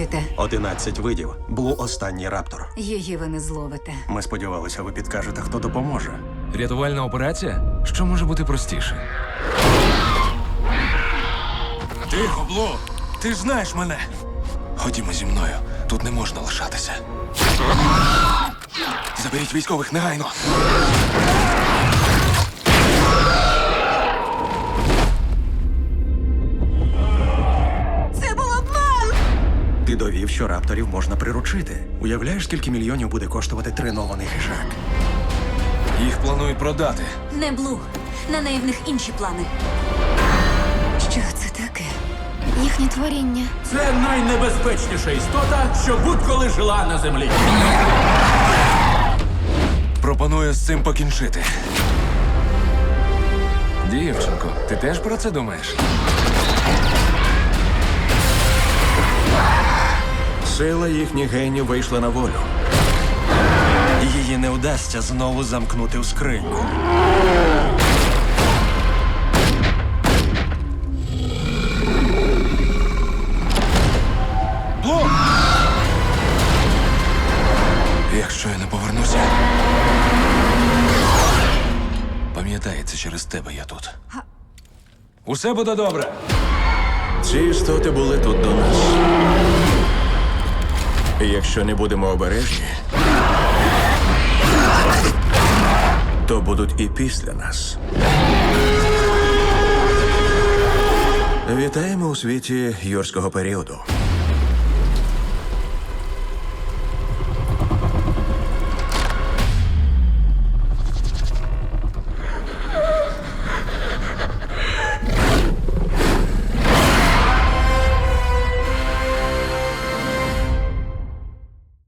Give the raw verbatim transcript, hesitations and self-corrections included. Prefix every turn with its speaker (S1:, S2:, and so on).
S1: ловите?
S2: Одинадцять видів. Блу останній раптор.
S1: Її ви не зловите.
S2: Ми сподівалися, ви підкажете, хто допоможе.
S3: Рятувальна операція? Що може бути простіше?
S4: Тихо, Блу! Ти ж знаєш мене. Ходімо зі мною. Тут не можна лишатися. Заберіть військових негайно.
S1: Це був обман!
S2: Ти довів, що рапторів можна приручити. Уявляєш, скільки мільйонів буде коштувати тренований хижак?
S4: Їх планують продати.
S1: Не Блу. На неї в них інші плани. Що це таке?
S5: Їхнє творіння.
S6: Це найнебезпечніша істота, що будь-коли жила на землі.
S4: Пропоную з цим покінчити.
S3: Дівчинко, ти теж про це думаєш?
S2: Сила їхніх генів вийшла на волю. Її не вдасться знову замкнути в скриньку.
S4: Блу! Якщо я не повернуся, пам'ятай, це через тебе я тут.
S3: Усе буде добре.
S2: Ці істоти були тут до нас. І якщо не будемо обережні, то будуть і після нас. Вітаємо у світі юрського періоду.